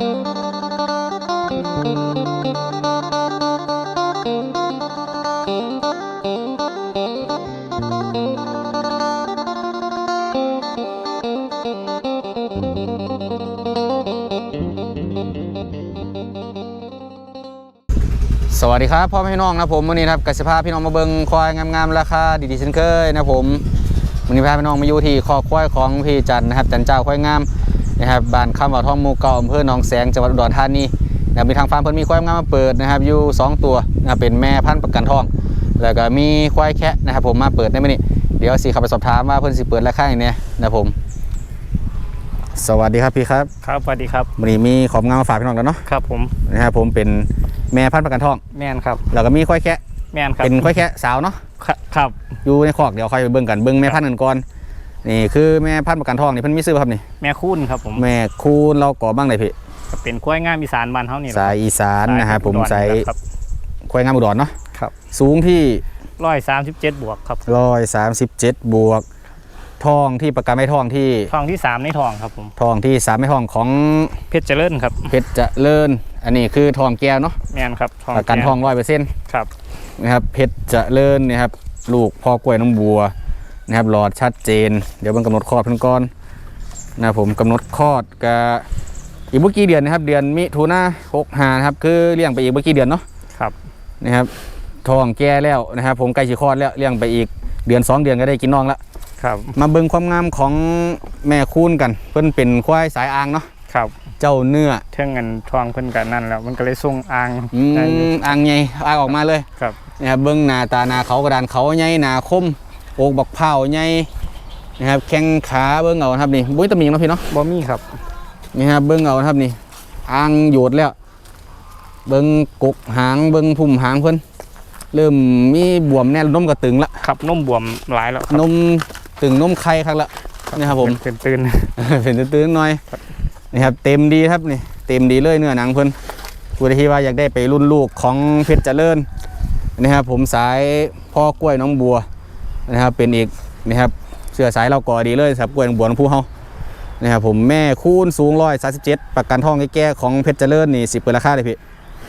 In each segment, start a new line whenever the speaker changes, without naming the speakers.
สวัสดีครับพ่อแม่พี่น้องนะผมวันนี้ครับกสิภาพี่น้องมาเบิ่งควายงามๆราคาดีๆเช่นเคยนะผมวันนี้พาพี่น้องมาอยู่ที่คอกควายของพี่จันนะครับจันเจ้าควายงามนะครับบ้านคำว่าทองหมู่เก่าอำเภอหนองแสงจังหวัดอุดรธานีนะมีทางฟาร์มเพิ่นมีควายงามมาเปิดนะครับอยู่2ตัวนะเป็นแม่พันธุ์ประกันทองแล้วก็มีควายแคะนะครับผมมาเปิดได้มื้อนี้เดี๋ยวสิเข้าไปสอบถามว่าเพิ่นสิเปิดราคาอย่างนี้นะผมสวัสดีครับพี่ครับ
ครับสวัสดีครับ
วันนี้มีของงามมาฝากพี่น้องแล้วเนาะ
ครับผม
นะครับผมเป็นแม่พันธุ์ประกันทอง
แม่นครับ
แล้วก็มีควายแคะ
แม่นครับ
เป็นควายแคะสาวเนาะ
ครับ
อยู่ในคอกเดี๋ยวค่อยไปเบิ่งกันเบิ่งแม่พันธุ์กันก่อนนี่คือแม่พันธุ์ประกันทองนี่เพิ่นมีซื้อครับนี่
แม่คูนครับผม
แม่คูนเราก่อบ้างเลยพี่
เป็นควายงามอีสานบ้านเฮานี่
สายอีสานนะครับผมใส่ควายงามอุดรเนาะ
ครับ
สูงที่
137บวกครับ
137บวกทองที่ประกันไม่ทองที่
3ในทองครับผม
ทองที่3ไม่ทองของ
เพชรเจริญครับ
เพชรเจริญอันนี้คือทองแก้วเนาะ
แม่นครับ
ประกันทอง 100%
ครับ
นะครับเพชรเจริญนี่ครับลูกพ่อกล้วยน้ำบัวนะครับหลอดชัดเจนเดี๋ยวเบิ่งกำหนดคลอดเพิ่นก่อนนะผมกำหนดคลอดก็อีกเมื่อกี้เดือนนะครับเดือนมิถุนายน65นะครับคือเลี้ยงไปอีกเมื่อกี้เดือนเนาะ
ครับ
นะครับทองแก่แล้วนะครับผมใกล้สิคลอดแล้วเลี้ยงไปอีกเดือน2เดือนก็ได้กินน้องแล้ว
ครับ
มาเบิ่งความงามของแม่คูนกันเพิ่นเป็นควายสายอ่างเนาะ
ครับ
เจ้าเนื้อ
เท่งเงินทองเพิ่นกันนั่นแล้วมันก็เลยส่งอ่าง
อ่างใหญ่อ่างออกมาเลย
ครับ
นะครับเบิ่งหน้าตาหน้าเขากระดานเขาใหญ่หน้าคมอกบักเผาใหญ่นะครับแข้งขาเบิ้งเอาครับนี่บุ้ยตะมีงเนาะพี่เนาะ
บ่มีครับ
นี่ครับเบิ้งเอาครับนี่อ่างโยดแล้วเบิ้งกกหางเบิ้งพุ่มหางเพิ่นเริ่มมีบวมแน่นมกระตึงละ
ครับนมบวมหลายแล้ว
นมตึงนมไข่ครับละนี่ครับผม
เป็นตื่น
เป็นตื่นหน่อยนี่ครับเต็มดีครับนี่เต็มดีเลยเนื้อหนังเพิ่นผู้ใดที่ว่าอยากได้ไปรุ่นลูกของเพชรเจริญนะครับผมสายพ่อกล้วยน้องบัวนะครับเป็นอีกนะครับเสื้อสายเราก่อดีเลยครับกล้วยน้องบัวน้องผู้เฮานะครับผมแม่คูนสูง137ประกันทองแก่ๆของเพชรเจริญนี่10เปิดราคาเลยพี่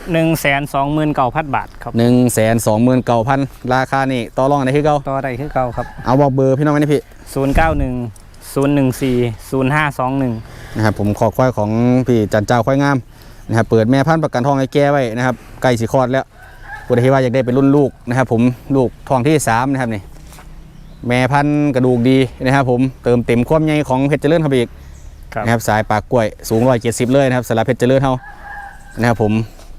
129,000 บาทครับ
129,000ราคานี่ต่อรองได้คือเก่า
ต่อได้คือเก่าครับ
เอาบอกเบอร์พี่น้องไว้นี่พี่
0910140521
นะครับผมขอควายของพี่จันเจ้าควายงามนะครับเปิดแม่พันธุ์ประกันทองแก่ไว้นะครับใกล้สิคลอดแล้วผู้ใดที่ว่าอยากได้เป็นรุ่นลูกนะครับผมลูกทองที่3นะครับนี่แม่พันธุ์กระดูกดีนะครับผมเติมเต็มความใหญ่ของเพชรเจริญครับอีกนะครับสายปากกล้วยสูง170เลยนะครับสำหรับเพชรเจริญเฮานะครับผม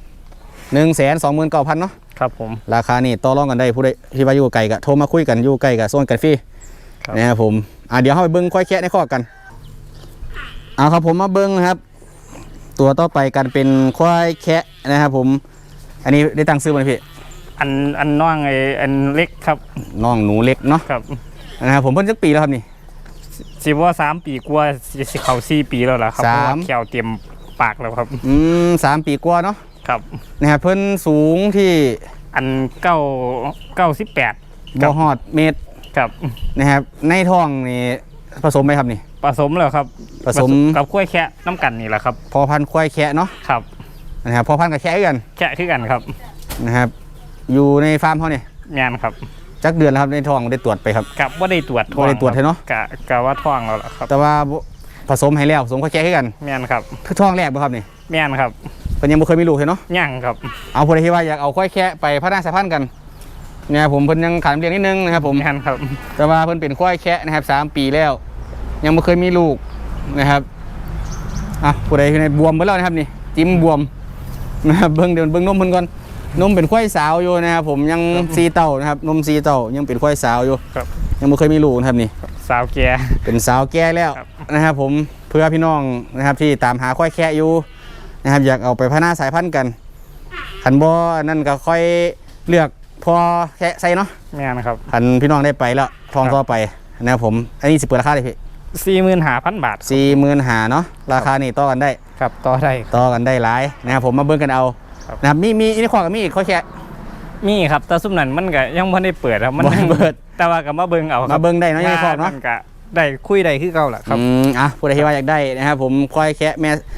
129,000เนาะ
ครับผม
ราคานี่ต่อรองกันได้ผู้ใดที่ว่าอยู่ไกลก็โทรมาคุยกันอยู่ใกล้ก็ส่งกันฟรีนะครับผมเดี๋ยวเฮาไปเบิ่งควายแคะในคอกกันเอาครับผมมาเบิ่งนะครับตัวต่อไปกันเป็นควายแคะนะครับผมอันนี้ได้ตั้งซื้อมั้ยพี่
อันน้องอันเล็กครับ
น้องหนูเล็กเนาะ
ครับ
นะครับผมเพิ่นจักปีแล้วครับนี่
สิว่า3 ปีกว่าสิเข้า4 ปีแล้วล่ะครับเพราะว่าแขวเตรียมปากแล้วครับ
3 ปีกว่าเนาะ
ครับ
นะครับเพิ่นสูงที่
อัน98
บ่ฮอดเมตร
ครับ
นะครับในท้องนี่ผสมไหมครับนี่
ผสมแล้วครับ
ผสม
กับควายแคะน้ำกันนี่แหละครับ
พอพันธุ์ควายแคะเนาะ
ครับ
นะครับพอพันธุ์กับแคะกัน
ครับ
นะครับอยู่ในฟาร์มเขาเนี่ย
งานครับ
จักเดือนแล้วครับในท้องได้ตรวจไปครับ
กับว่าได้ตรวจ
ท้องได้ตรวจเนาะ
กะว่าท้องแล้วล่ะครับ
แต่ว่าผสมให้แล้วผสมควายแคะกัน
งานครับ
คือท้องแรกป่ะครับนี่
งานครับ
เป็นยังไม่เคยมีลูกเนาะ
ยังครับ
เอาผู้ใดที่ว่าอยากเอาควายแคะไปพัฒนาสายพันธุ์กันเนี่ยผมเพิ่นยังขาดเรียนนิดนึงนะครับผม
งานครับ
แต่ว่าเพิ่นเป็นควายแคะนะครับ3 ปีแล้วยังไม่เคยมีลูกนะครับผู้ใดที่ในบวมไปแล้วนะครับนี่จิ้มบวมนะครับเบิ่งนมเพิ่นก่อนนมเป็นควายสาวอยู่นะครับผมยัง4 เต้านะครับนม4 เต้ายังเป็นควายสาวอยู่ยังไม่เคยมีลูกนะครับนี่
สาวแก่
เป็นสาวแก่แล้วนะครับผมเพื่อพี่น้องนะครับที่ตามหาควายแคะอยู่นะครับอยากเอาไปพัฒนาสายพันธุ์กันขันบ่นั่นก็ค่อยเลือกพอแคะใส่เนาะ
ไม่นะครับ
ขันพี่น้องได้ไปแล้วทองต่อไปนะครับผมอันนี้สิเปิดราคาเลยพี่
45,000 บาท
45,000เนาะราคานี่ต่อกันได้
ครับต่อกัน
ได้หลายนะครับผมมาเบิ่งกันเอานะครับมีอีกข้อกับมีอีกข้อแค่
มีครับแต่ซุ่มนั้นมันก็ยังไม่ได้เปิดครับมัน
เปิด
แต่ว่ากับมาเบิ่งเอา
มาเบิ่งได้เนาะอีกข้อเนาะ
ได้คุยได้คือเก่าแหละครับ
ผู้ใดที่ว่าอยากได้นะครับผมควายแคะแม่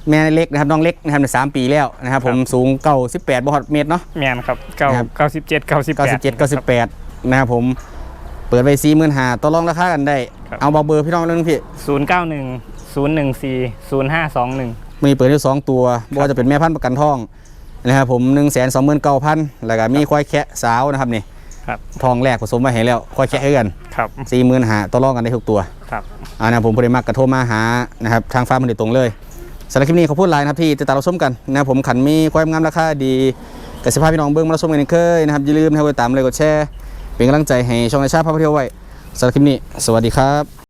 แม่เล็กนะครับน้องเล็กนะครับใน3 ปีแล้วนะครับผมสูง98บ่ฮอดเมตรเนาะ
แมนครับ97
97 98นะครับผมเปิดไว้45,000ต่อรองราคากันได้เอาเบอร์พี่น้องเรื่องพี่
091 014 0521
มีเปิดอยู่2ตัวบ่ว่าจะเป็นแม่พันธุ์ประกันทองนะครับผม 129,000แล้วก็มีควายแคะสาวนะครับนี่
ครับ
ทองแรกผสมมาให้แล้วควายแคะให้กัน
ครับ
45,000ต่อรองกันได้ทุกตัว
ครับ
นะครับผมพอดีมักกระโทรมาหานะครับทางฟาร์มมันโดยตรงเลยสำหรับคลิปนี้ขอพูดไลน์นะครับที่จะตามเราชมกันนะครับผมขันมีความงามราคาดีกับสิภาพพี่น้องเบิ้งมาเราชมกันอีกเคยนะครับอย่าลืมนะครับกดตามเลยกดแชร์เป็นกำลังใจให้ช่องในชาติพาไปเที่ยวไว้สำหรับคลิปนี้สวัสดีครับ